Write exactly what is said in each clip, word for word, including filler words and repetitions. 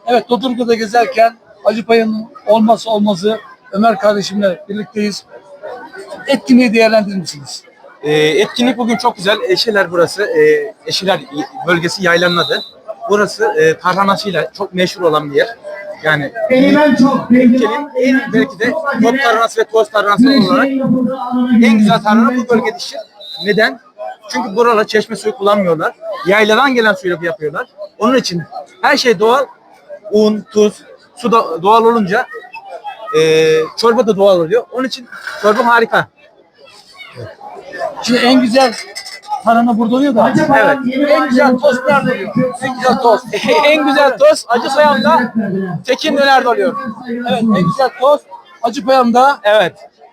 Evet, Dodurga'da gezerken Acıpaya'nın olmazsa olmazı Ömer kardeşimle birlikteyiz. Etkinliği değerlendirir misiniz? E, etkinlik bugün çok güzel. Eşeler burası. E, Eşeler bölgesi yaylanın adı. Burası e, tarhanasıyla çok meşhur olan bir yer. Yani ülkenin en belki de top tarhanası ve toz tarhanası olarak en güzel tarhana bu bölgede yetişir. Neden? Çünkü buralar çeşme suyu kullanmıyorlar. Yayladan gelen suyla yapıyorlar. Onun için her şey doğal. Un, tuz, su da doğal olunca e, çorba da doğal oluyor. Onun için çorba harika. Şimdi en güzel tarhana burada oluyor da. Evet. En güzel tost nerede oluyor? En güzel tost. En güzel tost Acıpayam'da Tekin Döner'de oluyor. Evet, en güzel tost Acıpayam'da. Evet.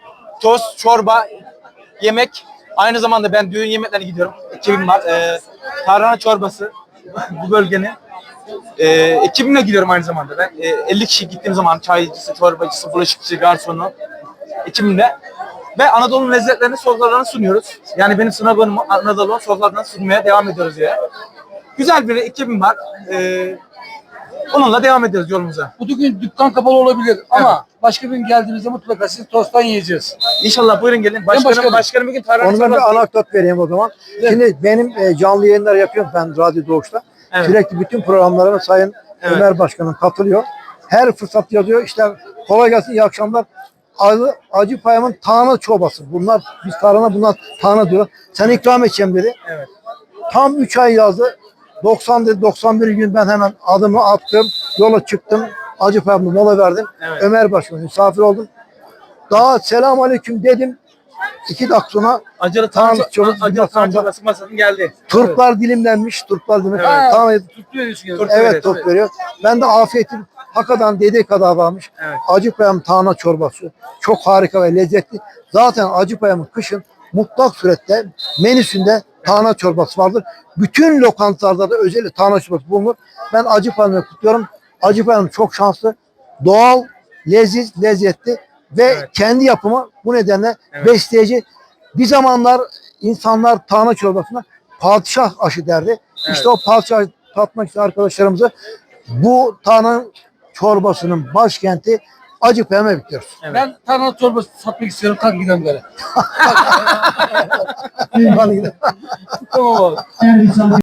Tost, çorba, yemek. Aynı zamanda ben düğün yemeklerine gidiyorum. Ekibim var. Ee, tarhana çorbası bu bölgenin. Ee, ekibimle gidiyorum aynı zamanda. Ben e, elli kişi gittiğim zaman çaycısı, çorbacısı, bulaşıkçı, garsonu ekibimle ve Anadolu lezzetlerini, sofralarını sunuyoruz. Yani benim sınavım Anadolu sofralarını sunmaya devam ediyoruz ya. Güzel bir ekibim var. Ee, onunla devam ediyoruz yolumuza. Bugün dükkan kapalı olabilir ama başka bir gün geldiğimizde mutlaka sizi tosttan yiyeceğiz. İnşallah buyurun gelin. Başkanım, başkanım. başkanım bugün tarhana Ondan bir çorbası. anekdot vereyim o zaman. Evet. Şimdi benim e, canlı yayınlar yapıyorum ben Radyo Doğuş'ta. Evet. Sürekli bütün programlarına Sayın Evet. Ömer Başkanım katılıyor. Her fırsat yazıyor. İşte kolay gelsin, iyi akşamlar. Acı, Acıpayam'ın tarhana çorbası. Bunlar biz tarhana, bunlar tarhana diyor. Sen ikram edeceğim dedi. Evet. Tam üç ay yazdı. doksan dedi, doksan bir gün ben hemen adımı attım. Yola çıktım. Acıpayam'da mola verdim. Evet. Ömer Başkanım misafir oldum. Daha selamünaleyküm dedim. İki dakika sonra Acılı Tamam, tarhana çok- çorbası, acılı tarhana çorbası masasının geldi. turplar dilimlenmiş. Turplar dilimlenmiş. Evet. Tamam, Tuttu veriyorsun yani. Turp. evet Evet, turp evet. veriyor. Ben de afiyetim hakikaten dediği kadar varmış. Evet. Acıpayam tarhana çorbası. Çok harika ve lezzetli. Zaten Acıpayam'ın kışın mutlak surette menüsünde tarhana çorbası vardır. Bütün lokantalarda da özel tarhana çorbası bulunur. Ben Acıpayam'ı kutluyorum. Acıpayam çok şanslı. Doğal, leziz, lezzetli ve Evet. kendi yapımı, bu nedenle Evet. besleyici. Bir zamanlar insanlar tarhana çorbasına padişah aşı derdi. İşte o padişah tatmak için arkadaşlarımızı bu tarhana çorbasının başkenti Acıpayam'a bekliyoruz. Evet. Ben tarhana çorbası satmak istiyorum. Kalk gidelim böyle. Hadi gidelim. Tamam abi.